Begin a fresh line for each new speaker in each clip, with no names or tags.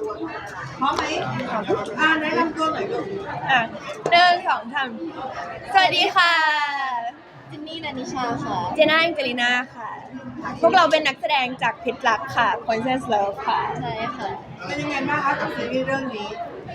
พร้อมไหมแนะนำตัวหน่อยลูก
1 2 3สวัสดีค่ะ
จินนี่นันนิชาค่ะ
เจน่าแองเจลิน่าค่ะพวกเราเป็นนักแสดงจากพิษรักค่ะ Poisonous Love ค่ะ
ใช่ค่ะ
เป็นยังไงบ้างคะกับซีรีส์เรื่องนี้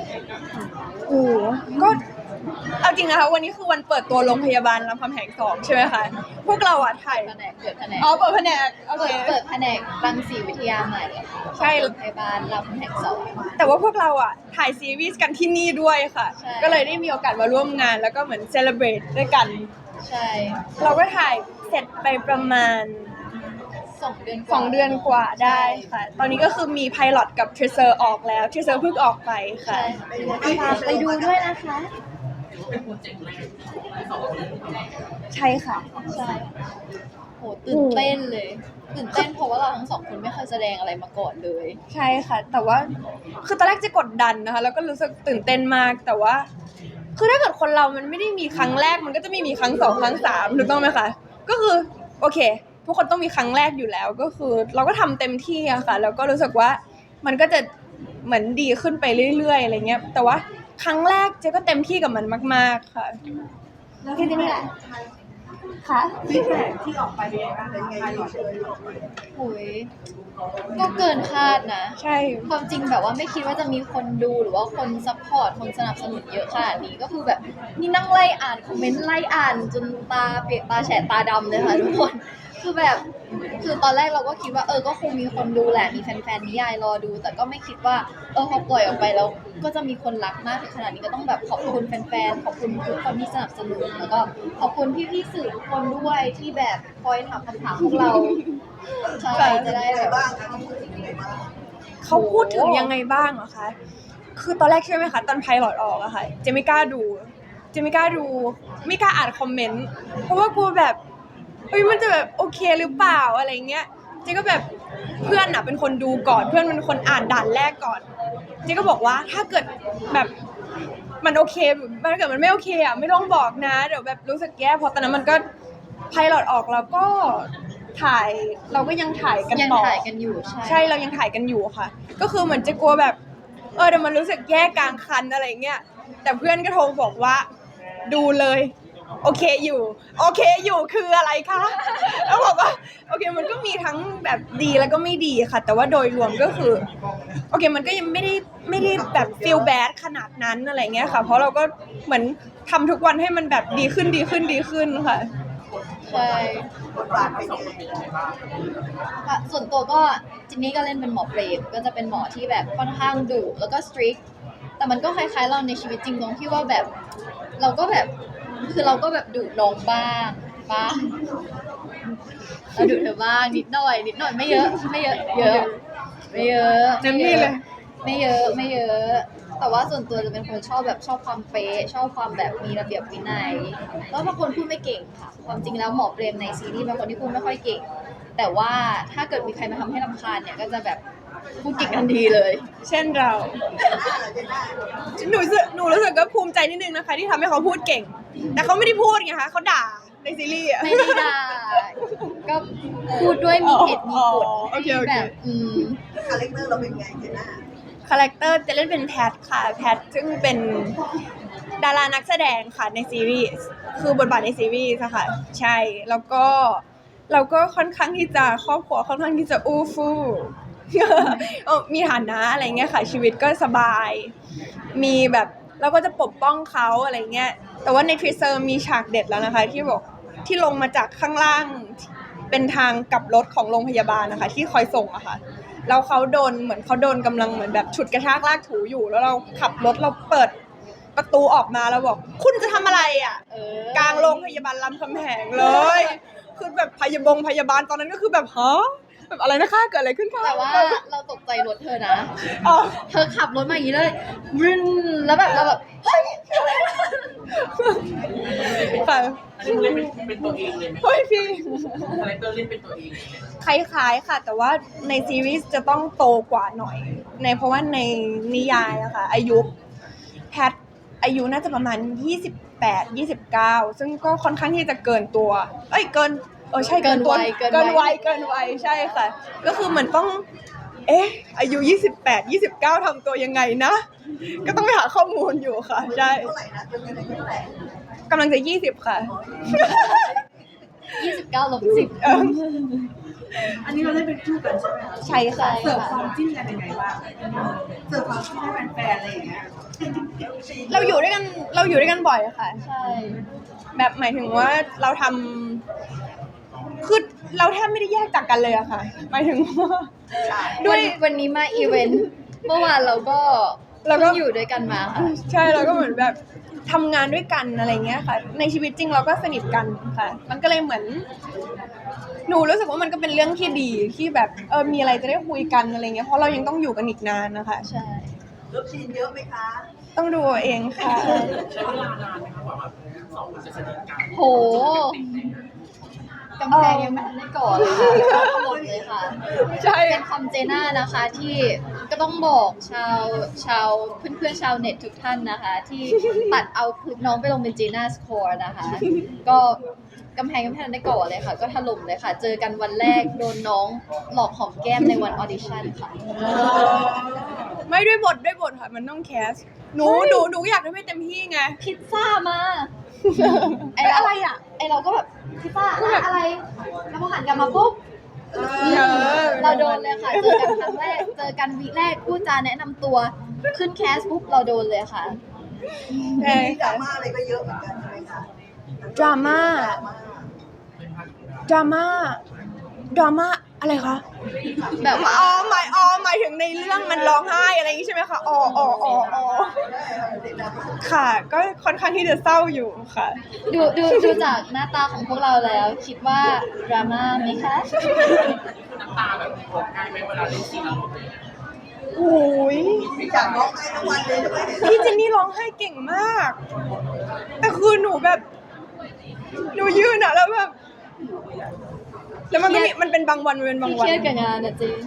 ก็เอาจริงนะคะวันนี้คือวันเปิดตัวโรงพยาบาลรามคำแหง2ใช่ไหมคะพวกเราถ่าย
เปิดแผนกเปิดแผนก
โอเค
เปิดแผนกรังสีวิทยาใหม่
ใช่
โรงพยาบาลรามคำแหง2
แต่ว่าพวกเราถ่ายซีรีส์กันที่นี่ด้วยค่ะ
ใช่
ก็เลยได้มีโอกาสมาร่วมงานแล้วก็เหมือนเซเลบรตด้วยกัน
ใช่
เราก็ถ่ายเสร็จไปประมาณ
2 เดือน
กว่าได้ค่ะตอนนี้ก็คือมีไพลอตกับเทรเซอร์ออกแล้วเทรเซอร์เพิ่งออกไปค่ะ
ฝากไปดูด้วยนะคะ
ใช่ค่ะ
ใช่โหตื่นเต้นเลยตื่นเต้นเพราะว่าเราทั้งสองคนไม่เคยแสดงอะไรมาก่อนเลย
ใช่ค่ะแต่ว่าคือตอนแรกจะกดดันนะคะแล้วก็รู้สึกตื่นเต้นมากแต่ว่าคือถ้าเกิดคนเรามันไม่ได้มีครั้งแรกมันก็จะไม่มีครั้ง2ครั้ง3ถูกต้องไหมคะก็คือโอเคทุกคนต้องมีครั้งแรกอยู่แล้วก็คือเราก็ทำเต็มที่อะค่ะแล้วก็รู้สึกว่ามันก็จะเหมือนดีขึ้นไปเรื่อยๆอะไรเงี้ยแต่ว่าครั้งแรกเจ๊ก็เต็มที่กับมันมากๆค่ะ
แล้วที่นี่แหละ
ค่ะ
ฟีดแบ็กที่ออกไปเป็นยังไงบ้างเป็นไงหรอ
โหยก็เกินคาดนะ
ใช่
ความจริงแบบว่าไม่คิดว่าจะมีคนดูหรือว่าคนซัพพอร์ตคนสนับสนุนเยอะขนาดนี้ก็คือแบบนี่นั่งไล่อ่านคอมเมนต์ไล่อ่านจนตาเปียกตาแฉะตาดำเลยค่ะทุกคนคือแบบคือตอนแรกเราก็คิดว่าก็คงมีคนดูแหละมีแฟนๆนิยายรอดูแต่ก็ไม่คิดว่าพอปล่อยออกไปแล้วก็จะมีคนรักมากถึงขนาดนี้ก็ต้องแบบขอบคุณแฟนๆขอบคุณทุกคนที่สนับสนุนแล้วก็ขอบคุณพี่ๆสื่อทุกคนด้วยที่แบบคอยถามคำถามพวกเราใช่จะได้แบบ
เขาพูดถึงยังไงบ้างเหรอคะคือตอนแรกใช่ไหมคะตอนไพลอตออกอะค่ะเจไม่กล้าดูไม่กล้าอ่านคอมเมนต์เพราะว่ากลัวแบบมันจะแบบโอเคหรือเปล่าอะไรเงี้ยเจ๊ก็แบบเพื่อนเป็นคนดูก่อนเพื่อนเป็นคนอ่านด่านแรกก่อนเจ๊ก็บอกว่าถ้าเกิดแบบมันโอเคถ้าเกิดมันไม่โอเคไม่ต้องบอกนะเดี๋ยวแบบรู้สึกแย่เพราะตอนนั้นมันก็ไพลอตออกแล้วก็ถ่ายเราก็ยังถ่ายกันต่อ
ยังถ่ายกันอยู่
ใช่เรายังถ่ายกันอยู่ค่ะก็คือเหมือนจะกลัวแบบเดี๋ยวมันรู้สึกแย่กลางคันอะไรเงี้ยแต่เพื่อนก็โทรบอกว่าดูเลยโอเคอยู่คืออะไรคะแล้วบอกว่าโอเคมันก็มีทั้งแบบดีแล้วก็ไม่ดีค่ะแต่ว่าโดยรวมก็คือโอเคมันก็ยังไม่ได้แบบ feel bad ขนาดนั้นอะไรเงี้ยค่ะเพราะเราก็เหมือนทำทุกวันให้มันแบบดีขึ้นค่ะ
ใช่
บทบาทเป็นยังไง
ส่วนตัวก็จินนี่ก็เล่นเป็นหมอเปรมก็จะเป็นหมอที่แบบค่อนข้างดุแล้วก็สตริกแต่มันก็คล้ายๆเราในชีวิตจริงตรงที่ว่าแบบเราก็แบบคือเราก็แบบดุน้องบ้างเราดุเธอบ้างนิดหน่อยไม่เยอะ
เต็มที่เลย
ไม่เยอะแต่ว่าส่วนตัวจะเป็นคนชอบความเป๊ะชอบความแบบมีระเบียบวินัยแล้วบางคนพูดไม่เก่งค่ะความจริงแล้วหมอเปรมในซีรีส์บางคนที่พูดไม่ค่อยเก่งแต่ว่าถ้าเกิดมีใครมาทำให้รำคาญเนี่ยก็จะแบบพูดเก่งทันทีเลย
เช่นเราหนูรู้สึกก็ภูมิใจนิดนึงนะคะที่ทำให้เขาพูดเก่งแต่เขาไม่ได้พูดไงคะเขาด่าในซีรีส์
ไม่ได้ด่าก็พูดด้วยมีเหตุมีผลแบบ
คาแรคเตอร์เราเป็นไงเจน่า
คาแรคเตอร์จะเล่นเป็นแพทค่ะแพทซึ่งเป็นดารานักแสดงค่ะในซีรีส์คือบทบาทในซีรีส์ค่ะใช่แล้วก็เราก็ค่อนข้างที่จะครอบครัวค่อนข้างที่จะอู้ฟู่มีฐานะอะไรเงี้ยค่ะชีวิตก็สบายมีแบบเราก็จะปกป้องเขาอะไรเงี้ยแต่ว่าในทริเซอร์มีฉากเด็ดแล้วนะคะที่บอกที่ลงมาจากข้างล่างเป็นทางกลับรถของโรงพยาบาลนะคะที่คอยส่งอะค่ะแล้วเขาโดนกำลังเหมือนแบบฉุดกระชากลากถูอยู่แล้วเราขับรถเราเปิดประตูออกมาแล้วบอกคุณจะทำอะไรอ่ะกลางโรงพยาบาลรามคำแหงเลยคือแบบพยาบาลตอนนั้นก็คือแบบแบบอะไรนะคะเกิดอะไรขึ้นคะ
แต่ว่าเราตกใจรถเธอนะเธอขับรถมาอย่างนี้เลยรึนแล้วแบบเราแบบเฮ้ย
ค่ะ
เล่นเป็นตัวเองเลยไหม
เฮ้ยพี่
คาแรคเตอร์เล่นเป็นตัวเอง
คล้ายๆค่ะแต่ว่าในซีรีส์จะต้องโตกว่าหน่อยเพราะว่าในนิยายอะค่ะอายุแพทอายุน่าจะประมาณ28-29ซึ่งก็ค่อนข้างที่จะเกินตัวใช่เกินวัยใช่ค่ะก็คือเหมือนต้องอายุ28 29ทำตัวยังไงนะ ก็ต้องไปหาข้อมูลอยู่ค่ะ ใช่
เท่าไหร่นะเป็นยังไงเท่าไหร่
กำลังจะ20ค่ะ
29 ลบ 10
อันนี้เราได้เป็นคู่กันใช่ไหมคะ
ใช่ค่ะ
เสิร์ฟความจิ้นกันยังไงบ้างเสิร์ฟความจิ้นให้แฟนๆอะไรอย่างเงี้ย
เราอยู่ด้วยกันบ่อยค่ะ
ใช่
แบบหมายถึงว่าเราทำคือเราแทบไม่ได้แยกจากกันเลยอะค่ะ หมายถึงว่าด้วย
วันนี้มาอีเวนต์ เมื่อวานเราก็เพิ่งอยู่ด้วยกันมาค่ะ
ใช่เราก็เหมือนแบบทำงานด้วยกันอะไรเงี้ยค่ะ ในชีวิตจริงเราก็สนิทกันค่ะ มันก็เลยเหมือน หนูรู้สึกว่ามันก็เป็นเรื่องที่ดีที่แบบมีอะไรจะได้คุยกันอะไรเงี้ยเพราะเรายังต้องอยู่กันอีกนานนะคะ
ใช่
เลิฟซีนเยอะไหมคะ
ต้องดูเอาเองค่ะ
ใช้เวลานานไหมคะกว่าแบบสองคนจะสนิทกัน
โหกำแพงยังไม่ทันได้ก่อเลยค่ะถล่มเลยค่ะ
ใช่
เป็นคำเจน่านะคะที่ก็ต้องบอกชาวเพื่อนๆชาวเน็ตทุกท่านนะคะ ที่ตัดเอาคลิปน้องไปลงเป็นเจน่าสโคร์นะคะ ก็กำแพงยังไม่ทันได้ก่อเลยค่ะ ก็ถล่มเลยค่ะ เจอกันวันแรกโดนน้องหลอกหอมแก้มในวันออดิชั่นค่ะ
ไม่ด้วยบทค่ะ มันต้องแคสหนูอยากทำให้เต็มที่ไง
พิซซ่ามา
อะไรอ่ะ
ไอเราก็แบบพิซซ่าอะไร แล้วพอหันกลับมาปุ๊บ เราโดนเลยค่ะ เจอกันครั้งแรก เจอกันวีคแรกพูดจาแนะนำตัว ขึ้นแคสปุ๊บเราโดนเลยค่ะ
ใช่
มีดรา
ค่ะ
ม่าอะไรก็เยอะเหมือนกันใช่ไหมคะ
ดราม่าอะไรคะ
แบบว่า
หมายถึงในเรื่องมันร้องไห้อะไรอย่างนี้ใช่ไหมคะอ๋อค่ะ ก็ค่อนข้างที่จะเศร้าอยู่ค่ะ
ดูจากหน้าตาของพวกเราแล้ว คิดว่าดราม่าไหมคะ
น้ำตาแบบตกง่ายไหมเวลาเล่นซีนอารมณ์อะไรอย่างเงี้ย
โอ้ย
อยากร้องไห้ทั้งวันเลยทำไมเนี่ย
พี่เจนนี่ร้องไห้เก่งมาก แต่คือหนูแบบหนูยืนอะแล้วแบบแล้วมันก็มีมันเป็นบางวันมันเป็นบาง
ที่
วัน
เครียดกับงานอะจริง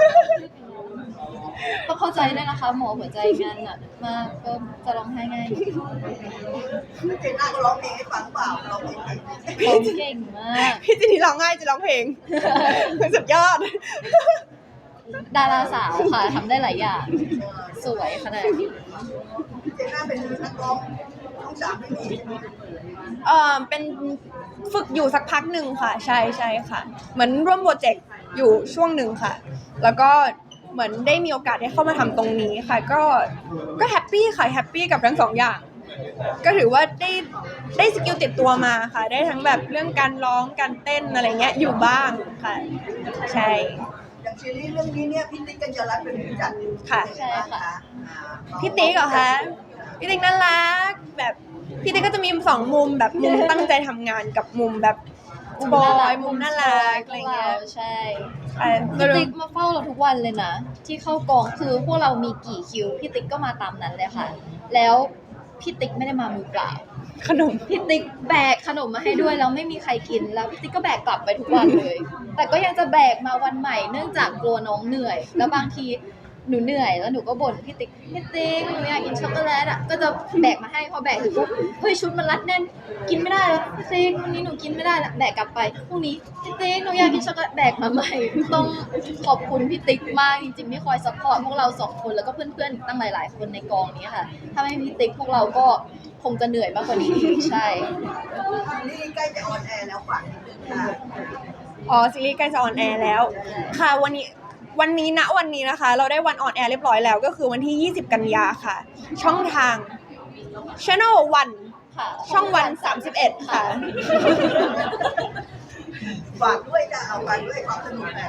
ต้องเข้าใจด้วยนะคะ หมอหัวใจงานหนักมากก็จะร้องไห้ง่าย
เจนน่าก็ร้องเพลงให้ฟังเปล่าร้องเพลงให้
ร้องเก่งมาก
พี่เจนนี่ร้องไห้จะร้องเพลง สุดยอด
ดาราสาวค่ะทำได้หลายอย่าง สวยขนาดนี้
เจนน่าเป็นนักร้องช่องสามไม่มีใช่ไหม
เป็นฝึกอยู่สักพักหนึ่งค่ะ ใช่ค่ะ เหมือนร่วมโปรเจกต์อยู่ช่วงหนึ่งค่ะ แล้วก็เหมือนได้มีโอกาสได้เข้ามาทำตรงนี้ค่ะ ก็แฮปปี้ค่ะแฮปปี้กับทั้งสองอย่าง ก็ถือว่าได้สกิลติดตัวมาค่ะ ได้ทั้งแบบเรื่องการร้องการเต้นอะไรเงี้ยอยู่บ้างค่ะ ใช่
อย่างซีรีส์เรื่องนี้เนี่ยพี่ติ๊กกัญญารัตน์เป็นผู้จัด
ค่ะ
ใช่ค่ะ
พี่ติ๊กเหรอคะพี่ติ๊กน่ารักแบบพี่ติ๊กก็จะมีสองมุมแบบมุมตั้งใจทำงานกับมุมแบบบอยมุมน่ารักอะไรเงี้ย
ใช่
อ่ะ
พี่ติ๊กมาเฝ้าเราทุกวันเลยนะ ที่เข้ากองคือพวกเรามีกี่คิวพี่ติ๊กก็มาตามนั้นเลยค่ะ แล้วพี่ติ๊กไม่ได้มามือเปล่า
ขนม
พี่ติ๊กแบกขนมมาให้ด้วยแล้วไม่มีใครกินแล้วพี่ติ๊กก็แบกกลับไปทุกวันเลย แต่ก็ยังจะแบกมาวันใหม่เนื่องจากกลัวน้องเหนื่อย แล้วบางทีหนูเหนื่อยแล้วหนูก็บ่นพี่ติ๊กหนูอยากกินช็อกโกแลตอ่ะก็จะแบกมาให้พอแบกถึงปุ๊บเฮ้ยชุดมันรัดแน่นกินไม่ได้แล้วพี่ติ๊กวันนี้หนูกินไม่ได้ละแบกกลับไปพรุ่งนี้พี่ติ๊กหนูอยากกินช็อกโกแลตแบกมาใหม่ต้องขอบคุณพี่ติ๊กมากจริงๆที่คอยซัพพอร์ตพวกเราสองคนแล้วก็เพื่อนๆอีกตั้งหลายๆคนในกองนี้ค่ะถ้าไม่มีพี่ติ๊กพวกเราก็คงจะเหนื่อยมากกว่านี้ใช่
นี่ใกล้จะออนแอร์แล้วฝากนิดนึงค่ะ
อ๋อซีรีส์ใกล้จะออนแอร์แล้ว ค่ะวันนี้ณวันนี้นะคะ เราได้วันออนแอร์เรียบร้อยแล้ว ก็คือวันที่ 20 กันยาค่ะ ช่องทาง Channel 1
ค่ะ
ช่องวัน 31 ค่ะ
ฝากด้วยจ้ะเอาฝากด้วยความสนุกแบบ